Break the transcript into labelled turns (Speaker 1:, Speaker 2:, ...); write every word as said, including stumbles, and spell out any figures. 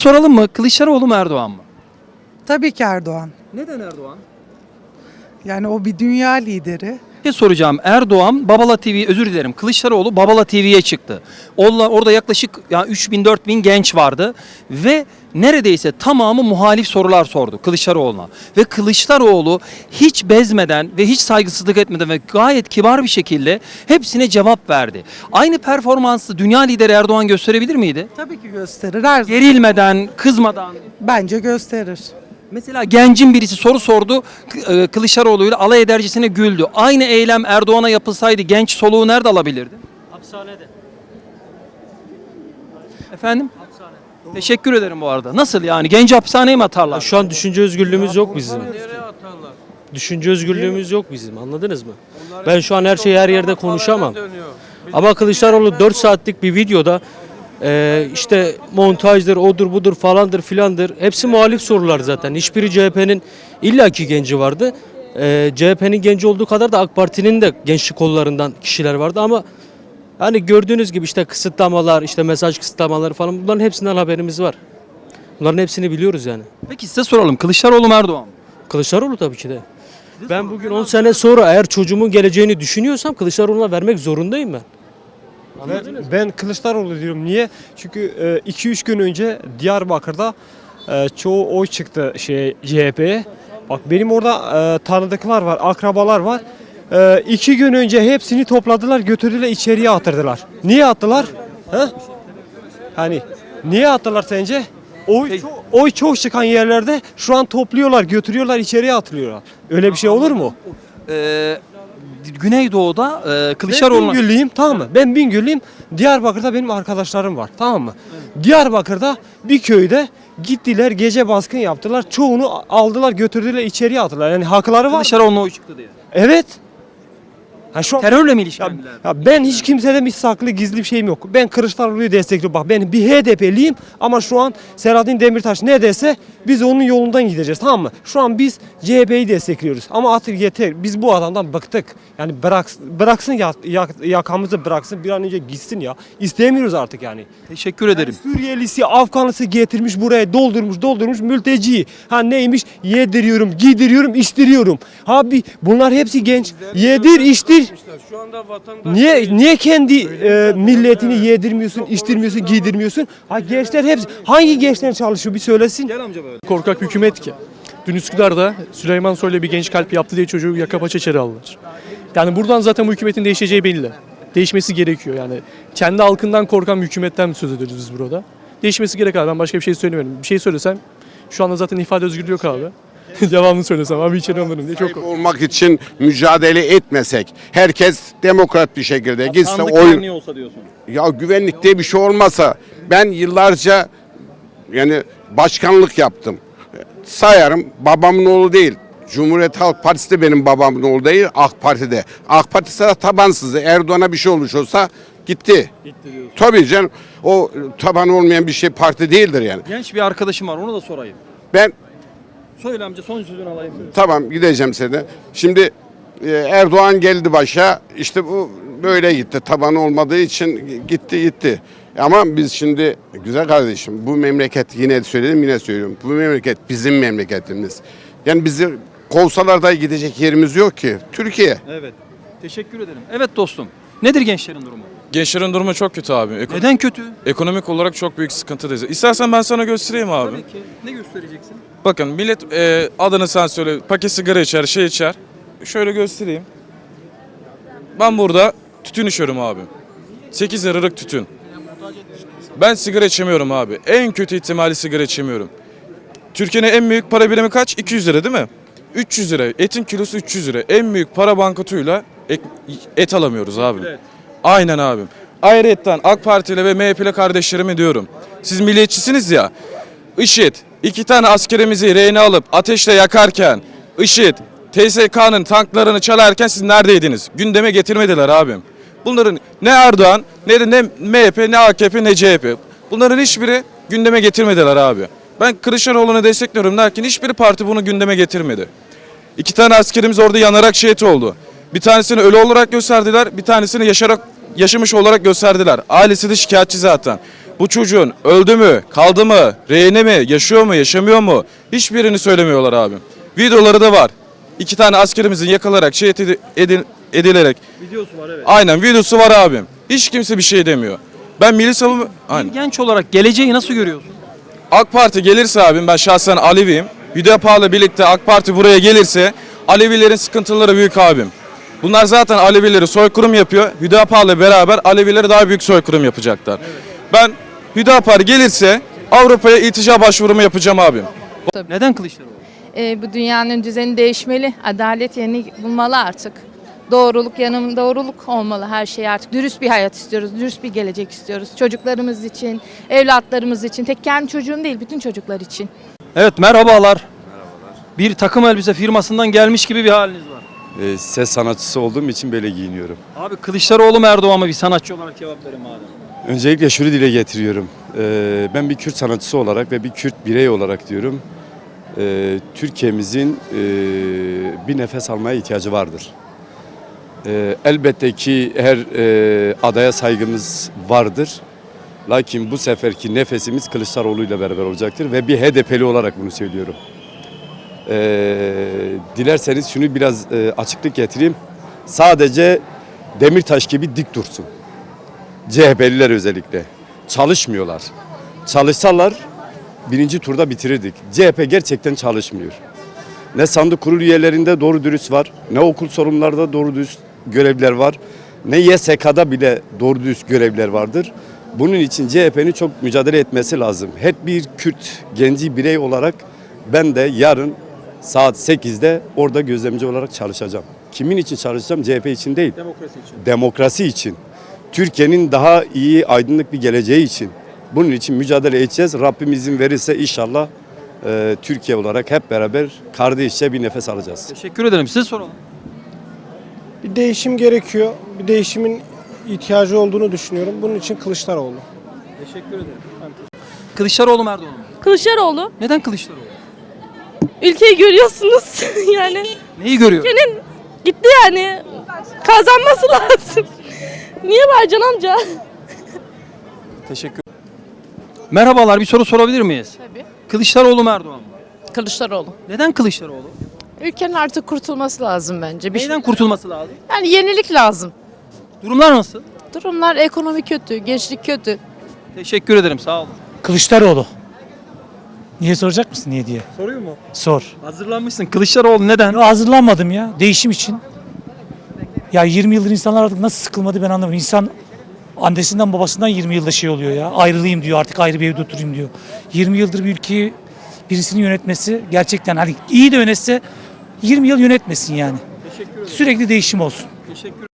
Speaker 1: Soralım mı? Kılıçdaroğlu mu Erdoğan mı?
Speaker 2: Tabii ki Erdoğan.
Speaker 1: Neden Erdoğan?
Speaker 2: Yani o bir dünya lideri.
Speaker 1: Bir şey soracağım. Erdoğan Babala T V, özür dilerim. Kılıçdaroğlu Babala T V'ye çıktı. Orada, orada yaklaşık ya üç bin dört bin genç vardı ve neredeyse tamamı muhalif sorular sordu Kılıçdaroğlu'na. Ve Kılıçdaroğlu hiç bezmeden ve hiç saygısızlık etmeden ve gayet kibar bir şekilde hepsine cevap verdi. Aynı performansı dünya lideri Erdoğan gösterebilir miydi?
Speaker 2: Tabii ki gösterir. Her zaman.
Speaker 1: Gerilmeden, kızmadan.
Speaker 2: Bence gösterir.
Speaker 1: Mesela gencin birisi soru sordu, K- e, Kılıçdaroğlu'yla alay edercesine güldü. Aynı eylem Erdoğan'a yapılsaydı genç soluğu nerede alabilirdi?
Speaker 3: Hapishanede.
Speaker 1: Efendim? Hapishane. Teşekkür ederim bu arada. Nasıl yani? Genci hapishaneye mi atarlar?
Speaker 3: Şu an düşünce özgürlüğümüz yok bizim. Düşünce özgürlüğümüz yok bizim. Anladınız mı? Ben şu an her şeyi her yerde konuşamam. Ama Kılıçdaroğlu dört saatlik bir videoda e, işte montajdır, odur budur falandır filandır. Hepsi muhalif sorular zaten. Hiçbiri C H P'nin illaki genci vardı. E, C H P'nin genci olduğu kadar da AK Parti'nin de gençlik kollarından kişiler vardı ama hani gördüğünüz gibi işte kısıtlamalar, işte mesaj kısıtlamaları falan bunların hepsinden haberimiz var. Bunların hepsini biliyoruz yani.
Speaker 1: Peki size soralım. Kılıçdaroğlu mu Erdoğan mı?
Speaker 3: Kılıçdaroğlu tabii ki de. Ben bugün on sene sonra eğer çocuğumun geleceğini düşünüyorsam Kılıçdaroğlu'na vermek zorundayım ben.
Speaker 4: Ben, ben Kılıçdaroğlu diyorum. Niye? Çünkü iki üç gün önce Diyarbakır'da e, çoğu oy çıktı şey C H P'ye. Bak benim orada e, tanıdıklar var, akrabalar var. E, iki gün önce hepsini topladılar, götürdüler içeriye attırdılar. Niye attılar? He? Hani niye attılar sence? Oy, çok, oy çok çıkan yerlerde şu an topluyorlar, götürüyorlar, içeriye atılıyorlar. Öyle bir şey olur mu?
Speaker 1: Ee, Güneydoğu'da e,
Speaker 4: Ben
Speaker 1: Kılıçdaroğlu'na...
Speaker 4: Bingöllüyüm, tamam mı? Ben Bingöllüyüm. Diyarbakır'da benim arkadaşlarım var, tamam mı? Diyarbakır'da bir köyde gittiler, gece baskın yaptılar. Çoğunu aldılar, götürdüler, içeriye attılar. Yani hakları var.
Speaker 1: Kılıçdaroğlu'na oy çıktı diye.
Speaker 4: Evet. Ha şu an-
Speaker 1: Terörle mi
Speaker 4: ya,
Speaker 1: ilişkilendiler?
Speaker 4: ya ben hiç kimseden bir saklı gizli bir şeyim yok. Ben Kılıçdaroğlu'yu destekliyorum. Bak ben bir H D P'liyim ama şu an Selahattin Demirtaş ne dese biz onun yolundan gideceğiz, tamam mı? Şu an biz C H P'yi destekliyoruz ama artık yeter. Biz bu adamdan bıktık. Yani bırak, bıraksın ya, ya- yakamızı bıraksın bir an önce gitsin ya. İstemiyoruz artık yani.
Speaker 1: Teşekkür ederim.
Speaker 4: Suriyelisi, Afganlısı getirmiş buraya doldurmuş doldurmuş mülteci. Ha neymiş? Yediriyorum, giydiriyorum, içtiriyorum. Abi bunlar hepsi genç. Yedir, içtir.
Speaker 5: Şu anda vatandaş
Speaker 4: Niye niye kendi e, milletini yedirmiyorsun, içtirmiyorsun, giydirmiyorsun? Ha gençler hepsi hangi gençler çalışıyor bir söylesin.
Speaker 1: Gel amca böyle.
Speaker 6: Korkak bir hükümet ki. Dün Üsküdar'da Süleyman Soylu bir genç kalp yaptı diye çocuğu yaka paça içeri aldılar. Yani buradan zaten bu hükümetin değişeceği belli. Değişmesi gerekiyor yani. Kendi halkından korkan bir hükümetten söz ediyoruz biz burada. Değişmesi gerek abi. Ben başka bir şey söylemiyorum. Bir şey söylesem şu anda zaten ifade özgürlüğü yok abi. Devamını söylesem abi içeri alırım diye çok
Speaker 7: Sahip olmak için mücadele etmesek, herkes demokrat bir şekilde gitse
Speaker 1: Sandık
Speaker 7: oyun.
Speaker 1: güvenliği olsa diyorsun.
Speaker 7: Ya güvenlik diye bir şey olmasa, ben yıllarca yani başkanlık yaptım. Sayarım, babamın oğlu değil. Cumhuriyet Halk Partisi de benim babamın oğlu değil, AK Parti'de. AK Parti sana tabansızdı. Erdoğan'a bir şey olmuş olsa gitti. Gitti diyorsun. Tabii canım. O taban olmayan bir şey parti değildir yani.
Speaker 1: Genç bir arkadaşım var, onu da sorayım.
Speaker 7: Ben
Speaker 1: Söyle amca, son sözünü alayım.
Speaker 7: Tamam gideceğim seni. Şimdi e, Erdoğan geldi başa. İşte bu böyle gitti. Tabanı olmadığı için gitti gitti. Ama biz şimdi güzel kardeşim bu memleket yine söyledim yine söylüyorum. Bu memleket bizim memleketimiz. Yani bizi kovsalar da gidecek yerimiz yok ki. Türkiye.
Speaker 1: Evet. Teşekkür ederim. Evet dostum. Nedir gençlerin durumu?
Speaker 5: Gençlerin durumu çok kötü abi. Eko-
Speaker 1: Neden kötü?
Speaker 5: Ekonomik olarak çok büyük sıkıntıdayız. İstersen ben sana göstereyim abi.
Speaker 1: Tabii ki. Ne göstereceksin?
Speaker 5: Bakın millet e, adını sen söyle paket sigara içer şey içer. Şöyle göstereyim. Ben burada tütün içiyorum abi. sekiz liralık tütün. Ben sigara içemiyorum abi. En kötü ihtimali sigara içemiyorum. Türkiye'nin en büyük para birimi kaç? iki yüz lira değil mi? üç yüz lira. Etin kilosu üç yüz lira. En büyük para bankotuyla et, et alamıyoruz abi. Aynen abim. Ayrıyetten AK Partili ve M H P'li kardeşlerime diyorum. Siz milliyetçisiniz ya. IŞİD iki tane askerimizi rehine alıp ateşle yakarken, IŞİD T S K'nın tanklarını çalarken siz neredeydiniz? Gündeme getirmediler abim. Bunların ne Erdoğan, ne de ne M H P, ne A K P, ne C H P. Bunların hiçbiri gündeme getirmediler abi. Ben Kılıçdaroğlu'nu destekliyorum derken hiçbir parti bunu gündeme getirmedi. İki tane askerimiz orada yanarak şehit oldu. Bir tanesini ölü olarak gösterdiler, bir tanesini yaşarak yaşamış olarak gösterdiler. Ailesi de şikayetçi zaten. Bu çocuğun öldü mü, kaldı mı, rehine mi, yaşıyor mu, yaşamıyor mu? Hiçbirini söylemiyorlar abim. Videoları da var. İki tane askerimizin yakalarak, şehit edi- edil- edilerek.
Speaker 1: Videosu var evet.
Speaker 5: Aynen videosu var abim. Hiç kimse bir şey demiyor. Ben milli savunma...
Speaker 1: Bir
Speaker 5: Aynen.
Speaker 1: genç olarak geleceği nasıl görüyorsun?
Speaker 5: AK Parti gelirse abim, ben şahsen Aleviyim. Hüdapar'la birlikte AK Parti buraya gelirse Alevilerin sıkıntıları büyük abim. Bunlar zaten Alevileri soykırım yapıyor. Hüdapar'la beraber Alevileri daha büyük soykırım yapacaklar. Ben Hüdapar gelirse Avrupa'ya iltica başvurumu yapacağım abim.
Speaker 1: Neden Kılıçdaroğlu?
Speaker 8: E, bu dünyanın düzeni değişmeli. Adalet yerini bulmalı artık. Doğruluk yanım doğruluk olmalı her şey artık. Dürüst bir hayat istiyoruz. Dürüst bir gelecek istiyoruz. Çocuklarımız için, evlatlarımız için. Tek kendi çocuğum değil, bütün çocuklar için.
Speaker 1: Evet merhabalar. Merhabalar. Bir takım elbise firmasından gelmiş gibi bir haliniz var.
Speaker 9: E, ses sanatçısı olduğum için böyle giyiniyorum.
Speaker 1: Abi Kılıçdaroğlu mu Erdoğan mı, bir sanatçı olarak cevap verin madem.
Speaker 9: Öncelikle şunu dile getiriyorum. E, ben bir Kürt sanatçısı olarak ve bir Kürt birey olarak diyorum. E, Türkiye'mizin e, bir nefes almaya ihtiyacı vardır. E, elbette ki her e, adaya saygımız vardır. Lakin bu seferki nefesimiz Kılıçdaroğlu ile beraber olacaktır ve bir H D P'li olarak bunu söylüyorum. Ee, dilerseniz şunu biraz e, açıklık getireyim. Sadece Demirtaş gibi dik dursun. C H P'liler özellikle. Çalışmıyorlar. Çalışsalar birinci turda bitirirdik. C H P gerçekten çalışmıyor. Ne sandık kurulu üyelerinde doğru dürüst var, ne okul sorumlularda doğru dürüst görevliler var, ne Y S K'da bile doğru dürüst görevliler vardır. Bunun için C H P'nin çok mücadele etmesi lazım. Her bir Kürt genci birey olarak ben de yarın saat sekizde orada gözlemci olarak çalışacağım. Kimin için çalışacağım? C H P için değil.
Speaker 1: Demokrasi için.
Speaker 9: Demokrasi için. Türkiye'nin daha iyi, aydınlık bir geleceği için. Bunun için mücadele edeceğiz. Rabbim izin verirse inşallah e, Türkiye olarak hep beraber kardeşçe bir nefes alacağız.
Speaker 1: Teşekkür ederim. Size soralım.
Speaker 10: Bir değişim gerekiyor. Bir değişimin ihtiyacı olduğunu düşünüyorum. Bunun için Kılıçdaroğlu.
Speaker 1: Teşekkür ederim. Kılıçdaroğlu mu Erdoğan mı?
Speaker 11: Kılıçdaroğlu.
Speaker 1: Neden Kılıçdaroğlu?
Speaker 11: Ülkeyi görüyorsunuz. yani
Speaker 1: Neyi görüyor?
Speaker 11: ülkenin gitti yani. Kazanması lazım. Niye Mercan amca?
Speaker 1: Teşekkür Merhabalar, bir soru sorabilir miyiz?
Speaker 12: Tabii.
Speaker 1: Kılıçdaroğlu mu Erdoğan mı?
Speaker 12: Kılıçdaroğlu.
Speaker 1: Neden Kılıçdaroğlu?
Speaker 12: Ülkenin artık kurtulması lazım bence. Bir şey-
Speaker 1: Neyden kurtulması lazım?
Speaker 12: Yani yenilik lazım.
Speaker 1: Durumlar nasıl?
Speaker 12: Durumlar ekonomi kötü, gençlik kötü.
Speaker 1: Teşekkür ederim, sağ olun.
Speaker 13: Kılıçdaroğlu. Niye soracak mısın niye diye?
Speaker 1: Soruyor mu?
Speaker 13: Sor.
Speaker 1: Hazırlanmışsın. Kılıçdaroğlu neden?
Speaker 13: Ben hazırlanmadım ya. Değişim için. Ya yirmi yıldır insanlar artık nasıl sıkılmadı ben anlamıyorum. İnsan annesinden babasından yirmi yılda şey oluyor ya. Ayrılayım diyor, artık ayrı bir evde oturayım diyor. yirmi yıldır bir ülkeyi birisinin yönetmesi gerçekten hani iyi de yönetse yirmi yıl yönetmesin yani. Sürekli değişim olsun.
Speaker 1: Teşekkür